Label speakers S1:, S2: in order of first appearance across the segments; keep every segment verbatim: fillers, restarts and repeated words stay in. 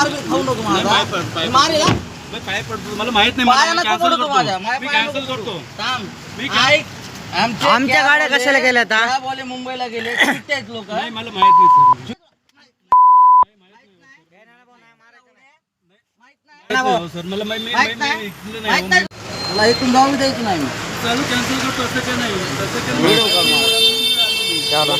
S1: मार बी खाऊ नको
S2: नाही,
S1: माझा
S2: पाय पड, पाय
S1: मारेल हा?
S2: मी पाय पडतो मला माहित नाही
S1: पाया
S2: मला
S1: नको
S2: कॅन्सल
S1: पडू तू माझ्या,
S2: करतो
S1: माझ्या
S2: मी
S1: पाया
S2: कॅन्सल
S1: नको
S2: करतो
S1: थांब.
S2: मी काय-
S1: ऐक आमचे
S3: आमच्या
S1: कॅब
S3: गाड्या
S1: वाले-
S3: कशाला गेल्या आता?
S1: कॅब वाले मुंबईला गेले सुट्टे आहेत लोक
S2: नाही मला माहित नाही सर
S1: माहित
S2: हो सर मला माहित नाही
S1: माहित
S2: माहित
S1: नाही
S2: नाही इथलं
S1: माहित
S2: नाही
S1: नाही तुला इथून जाऊ बी द्यायचं नाही मी
S2: चालू कॅन्सल करतो असं काय नाही तसं काय
S1: व्हिडिओ कॉल मार.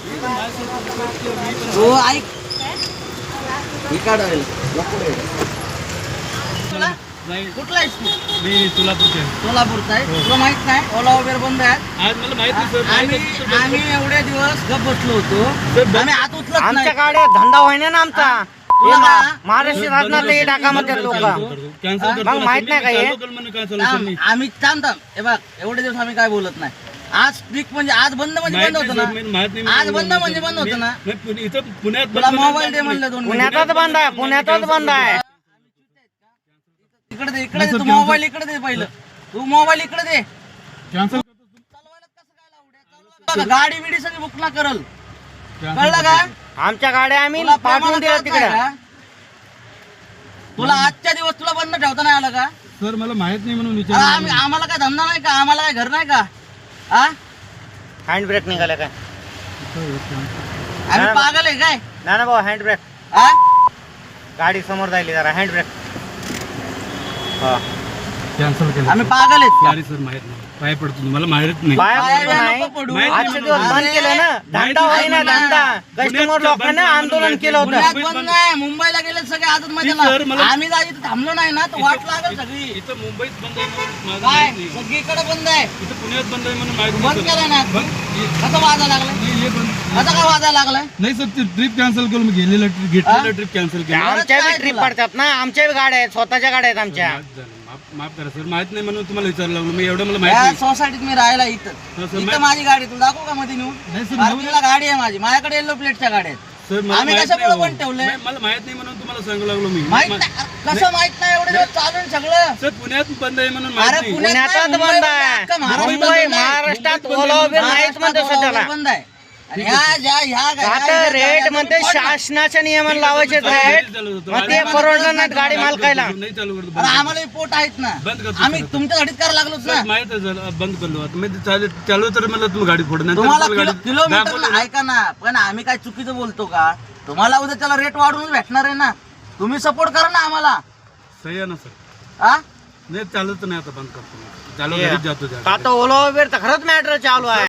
S1: हो ऐक ही काढायला नको रे. तुला
S2: नाही
S1: कुठला आहेस तू
S2: मी सोलापूरचे
S1: सोलापूरचा आहे तुला माहित नाही ओला उबेर बंद आहे
S2: आज मला माहित नाही सर माहित
S1: आम्ही
S2: नाही सर.
S1: आम्ही एवढे दिवस गप बसलो होतो
S2: बंद-
S1: आम्ही आत उचलत
S3: आमच्या
S1: नाही
S3: गाड्या धंदा होईना ना आमचा हे
S1: तुला
S3: मा-
S1: ना-
S3: महाराष्ट्र शासनात हे टाका म्हणतात लोक
S2: कॅन्सल करतो
S3: मग माहित नाही का हे?
S2: कॅन्सल
S1: थांब, आम्ही थांब थांब हे बघ एवढे दिवस आम्ही काय बोलत नाही आज स्ट्रिक म्हणजे आज बंद म्हणजे बंद होतं ना आज बंद म्हणजे बंद होतं ना
S2: इथं पुण्यात
S1: तुला
S2: बंद
S1: मोबाईल दे
S2: नाही.
S1: म्हणलं दोन
S3: पुण्यातच बंद आहे पुण्यातच बंद आहे
S1: इकडे दे इकडे दे तू मोबाईल इकडे दे पहिलं तू मोबाईल इकडे दे
S2: कॅन्सल
S1: चालवायला कसं काय लावड्या? चालवा बघा, गाडी बिडी सगळी बुक ना करल कळलं का
S3: आमच्या गाड्या आम्ही
S1: तुला
S3: पाठवून
S1: प्रेमानं
S3: दिल्या
S1: कळत
S3: तिकडे
S1: नाही का? तुला आजच्या दिवस तुला बंद ठेवता नाही आलं का
S2: सर मला माहित नाही म्हणून
S1: अरे आम्ही आम्हाला काय धंदा नाही का आम्हाला काय घर नाही का हा
S3: हँड ब्रेक निघाले काय
S1: आम्ही पागल आहे काय
S3: ना ना भाऊ हँड ब्रेक
S1: हा
S3: गाडी समोर जायली जरा हँड ब्रेक हा
S2: कॅन्सल केलं
S1: आम्ही पागल आहेत का?
S2: सॉरी सर माहित नाही पाय पडतो तुम्हाला माहित नाही
S3: बाया
S1: पाया
S3: पडतो नाही
S1: नको पडू.
S2: माहित
S3: आजचे दिवस बंद
S1: अरे,
S3: केलं ना धंदा होईना धंदा कस्टमर लोकांना आंदोलन केलं होतं
S1: पुण्यात बंद नाही मुंबईला गेले सगळे आजच
S2: सर,
S1: मजा
S2: मला-
S1: आम्ही जा इथं थांबलो नाही ना तर वाट लागल सगळी
S2: इथं मुंबईत बंद आहे म्हणून माझं
S1: काय
S2: माहित नाही.
S1: सगळीकडे बंद आहे
S2: इथं पुण्यात बंद आहे म्हणून माहित
S1: बंद
S2: नाही
S1: केलं ना
S2: सर. बंद हे-
S1: कसं वाजा लागलाय
S2: नाही, हे बंद
S1: कसं काय वाजा लागलाय
S2: नाही सर ते ट्रिप कॅन्सल केलं मी गेलेलं ट्रिप घेतलेलं ट्रिप कॅन्सल केलं
S3: आमच्या
S1: काय
S3: बी ट्रिप
S1: तुला?
S3: पडतात ना आमच्या बी गाड्या आहेत स्वतःच्या गाड्या आहेत आमच्या
S2: माफ झालं. माफ- माफ करा सर माहित नाही म्हणून तुम्हाला विचारायला लागलो मी एवढं मला माहित
S1: या
S2: नाही
S1: सोसायटीत मी राहायला इथं
S2: हो, सर,
S1: इथं
S2: मा-
S1: माझी गाडी तुला दाखवू का मध्ये नेऊन
S2: नाही सर
S1: पार्किंगला गाडी आहे माझी माझ्याकडे येलो प्लेटच्या गाड्या आहेत
S2: सर मला
S1: आम्ही
S2: माहित
S1: कशामुळे
S2: नाही हो.
S1: पण ठेवलंय?
S2: नाही, मला माहित नाही म्हणून तुम्हाला सांगू लागलो मी
S1: माहित
S2: मा-
S1: नाही कसं माहित नाही एवढे दिवस चालू आहे सगळं
S2: सर पुण्यात बंद आहे म्हणून माहित
S1: अरे
S2: नाही
S1: पुण्यात नाही,
S3: पुण्यातच
S1: मुंबई
S3: बंद
S1: बंद
S3: आहे.
S1: आहे. अख्खा महाराष्ट्र
S3: मुंबई
S1: बंद आहे.
S3: महाराष्ट्रात
S2: मुंबईत
S3: ओला उबेर नाहीच
S1: महाराष्ट्रात
S3: म्हणते
S1: ओला
S3: सध्याला
S1: उबेर बंद आहे आणि ह्या ज्या ह्या ह्या-
S3: आता
S1: ह्या
S3: रेट
S1: गाड्या
S3: म्हणते
S1: तुम्ही फोडणार.
S3: शासनाच्या नियमन लावायचे रेट
S2: चालू होतं.
S3: मग ते परवडलं नाहीत गाडी मालकायला
S2: नाही चालू करतो
S1: अरे आम्हाला पोट आहेत ना
S2: बंद करतो
S1: आम्ही
S2: सर.
S1: तुमच्यासाठीच करायला लागलोच ना
S2: सर, माहित आहे सर बंद करलो आता मी चालू चालू तर मला तुम्ही गाडी फोडणार
S1: तुम्हाला किलो- किलोमीटरला ऐका ना पण आम्ही काय चुकीचं बोलतो का तुम्हाला उद्या त्याला रेट वाढवून भेटणार आहे ना तुम्ही सपोर्ट करा ना आम्हाला
S2: सही आहे ना सर
S1: हा
S2: नाही चालत नाही आता बंद करतो मी. चालू
S3: ये.
S2: घरीच जातो त्या
S3: आता ओला उबेर तर खरंच मॅटर चालू आहे